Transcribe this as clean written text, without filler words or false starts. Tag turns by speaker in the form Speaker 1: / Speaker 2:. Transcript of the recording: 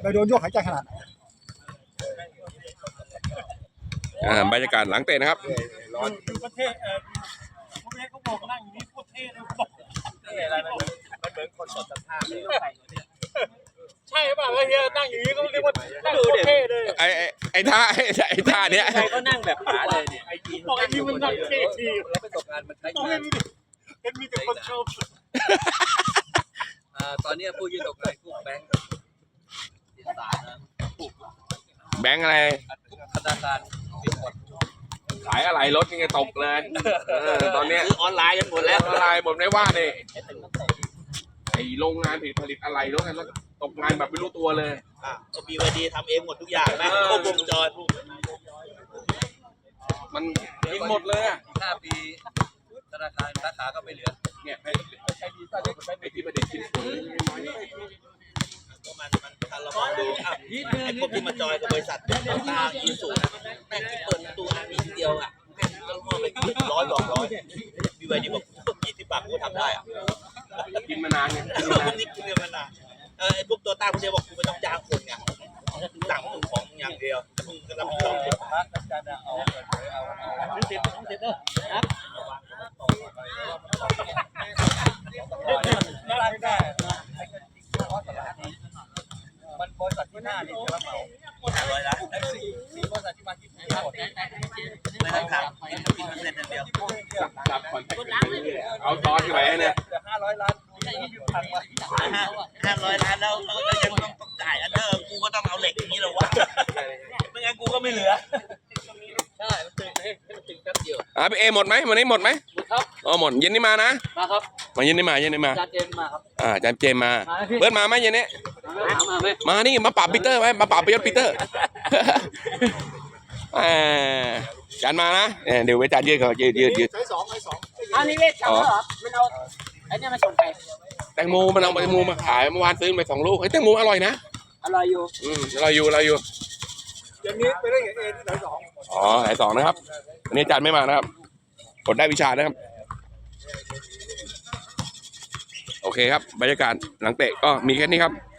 Speaker 1: ไปโดนโยกหายใจขนาดไหน
Speaker 2: บรรยากาศหลังเตะนะครับ
Speaker 3: ประเทศประเทศเขาบอกนั่งอย่างนี้โคตรเท่เลยบอกอะไรมันเหมือนคนสดสภาพใช่ป่ะเฮียนั่งอย่างนี้เขาเรียกว่านั่งโคตรเท่เลย
Speaker 2: ไอ้ท่าเนี้ย
Speaker 3: ใครก็นั่งแบบป๋าเลยเนี่ยไอจีบอกไอจีมันนั่งเท่ดีแล้วประสบการณ์มันใช้งานเป็นมีแต่คนชม
Speaker 4: ตอนนี้ผู้ยืนตกเลยพวกแบงค์ติดสารนะ
Speaker 2: แบงค์อะไร
Speaker 4: ธนาคารปิดหมด
Speaker 2: ขายอะไรรถยังไงตกเลยตอนนี้
Speaker 4: ซื้อออนไลน์กันหมดแล้ว
Speaker 2: ออนไลน์หมดไม่ว่าเนี่ยไอโรงงานผลิตอะไรรถกันตกงานแบบไม่รู้ตัวเลย
Speaker 4: ก็มีวันดีทำเองหมดทุกอย่างนะครบวงจร
Speaker 2: มันกินหมดเลย
Speaker 4: 5 ปีธนาคารสาขาก็ไม่เหลือ
Speaker 2: เนี่ยไอ้ที่ประเด็นชิ้นส่วน
Speaker 4: มันเรามองดูไอ้พวกที่มาจอยกับบริษัทต่างๆยืนสูงแม่งที่เปิดประตูอันนี้ทีเดียวก็มองไป100มีวันดีบอก20 บาทกูทำได้
Speaker 2: กินมานานไง
Speaker 4: นี่กินมานานไอ้พวกตัวตั้งคนเดียวบอกกูไม่ต้องจ้างคนไงสั่งของอย่างเดียวมึงก็รับผิดชอบ
Speaker 3: มันบริษัทที่หน้านี่จะรับเหมา
Speaker 4: 100 ล้าน
Speaker 3: บริษัทที่มาที่ไม่
Speaker 4: ต้องถามกินเงินเดียว
Speaker 2: จับคอนแทคเอาตอนที่ไหนเนี่ย
Speaker 3: 500 ล้าน
Speaker 4: 500 ล้านแล้วเรายังต้องจ่ายอันเดอร์กูก็ต้องเอาเหล็กอย่างนี้หรอวะไม่งั้นกูก็ไม่เหลือใช่มันตึงแป๊บเดียว
Speaker 2: พี่เอหมดไหมวันนี้หมดไหม
Speaker 3: หมดครับ
Speaker 2: หมดเย็นนี้มานะ
Speaker 3: มาครับ
Speaker 2: มาเย็นนี้มา
Speaker 3: จานเจมมาครับ
Speaker 2: จานเจมมาเบิร์ดมาไหมเย็นนี้มานี่มาปรับปีเตอร์ไหมมาปรับไปยศปีเตอร์จานมานะเดี๋ยวไว้จานยืดเขายืด
Speaker 3: ใช้2อันนี้เวททำเหรอมันเอาไอ้นี่มาส่งไป
Speaker 2: แตงโมมันเอาแตงโมมาขายเมื่อวานซื้อไป2 ลูกแตงโมอร่อยนะ
Speaker 3: อร่อยอยู่
Speaker 2: อร่อยอยู่
Speaker 3: อย่างนี้ไปได้เอที่ไหน2
Speaker 2: ไหน2นะครับอันนี้จานไม่มานะครับกดได้วิชานะครับโอเคครับบรรยากาศหลังเตะก็มีแค่นี้ครับ